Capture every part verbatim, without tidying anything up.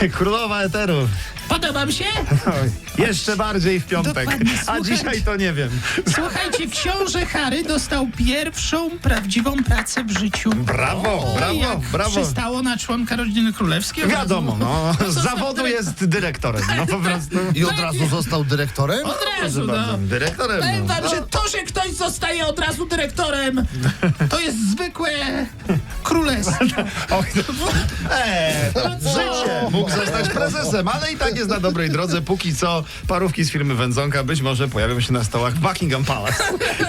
Królowa eteru. Podobam się? Oj, jeszcze bardziej w piątek. Dokładnie, A słuchajcie. dzisiaj to nie wiem. Słuchajcie, książę Harry dostał pierwszą prawdziwą pracę w życiu. Brawo, O, brawo, jak brawo. przystało na członka rodziny królewskiej. od Wiadomo, razu- no. Z został zawodu dyrektor- jest dyrektorem. No po prostu. I od razu został dyrektorem? Od razu, Proszę no. bardzo, dyrektorem. Powiem No. wam, że to, że ktoś zostaje od razu dyrektorem, to jest zwykłe królestwo. Oj, no. Eee, to życie. Mógł zostać prezesem, ale i tak jest na dobrej drodze. Póki co parówki z firmy Wędzonka być może pojawią się na stołach Buckingham Palace.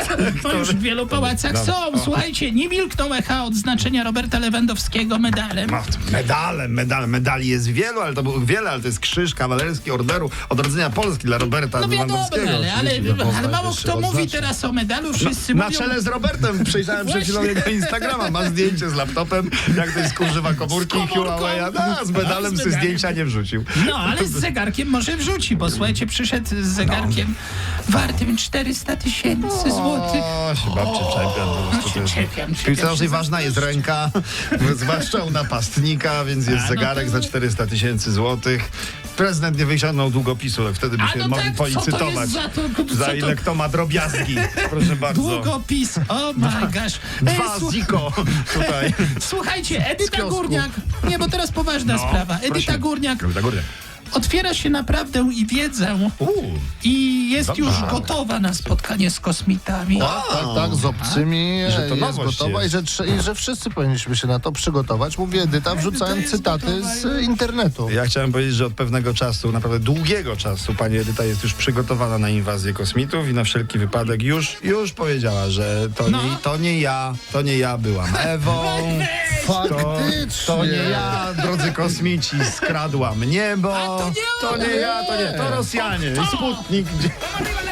To już w wielu pałacach Dobra. są. Słuchajcie, nie milkną echa odznaczenia Roberta Lewandowskiego medalem. No, medale, medale, medali jest wielu, ale to było wiele, ale to jest krzyż kawalerski Orderu Odrodzenia Polski dla Roberta No wiadomo, Lewandowskiego. ale, ale, Oczywiście, no, ale mało najwyższy kto mówi odznaczeń. teraz o medalu. Wszyscy Na mówią... czele z Robertem przejrzałem przed chwilą Właśnie. jego Instagrama. Ma zdjęcie z laptopem, jak to jest kurzywa komórki Z komórką. Huawei. No, z medalem A, z sobie medalem. zdjęcia nie wrzucił. No, ale z zegarkiem może wrzuci, bo słuchajcie, przyszedł z zegarkiem wartym czterysta tysięcy złotych. O, się babcie czepiam. Po prostu się to jest- czepiam, W czepiam piłce się nożnej za ważna jest ręka, zwłaszcza u napastnika, więc jest A, no zegarek to- za czterysta tysięcy złotych. Prezydent nie wyciągnął długopisu, ale wtedy by A się no mogli tak, co to policytować. jest za to- co Za to- ile kto ma drobiazgi. Proszę bardzo. Długopis, oh my gosh. Ej, Dwa słuch- ziko tutaj. Słuchajcie, Edyta kiosku. Górniak, nie, bo teraz poważna No, sprawa. Edyta prosimy. Górniak Edyta Górniak. otwiera się na prawdę i wiedzę Uuu. i jest Dobra. już gotowa na spotkanie z kosmitami. Tak, tak, tak, z obcymi Że to jest nowość gotowa jest. I, że, trze- i że wszyscy powinniśmy się na to przygotować. Mówi Edyta, wrzucając jest cytaty gotowa, z ja- internetu. Ja chciałem powiedzieć, że od pewnego czasu, naprawdę długiego czasu, pani Edyta jest już przygotowana na inwazję kosmitów i na wszelki wypadek już, już powiedziała, że to, No. nie, to nie ja, to nie ja byłam Ewą. To, Faktycznie. to nie ja, drodzy kosmici, skradłam niebo. A to nie to ona. nie ja, to nie, to Rosjanie. To. Sputnik. Gdzie...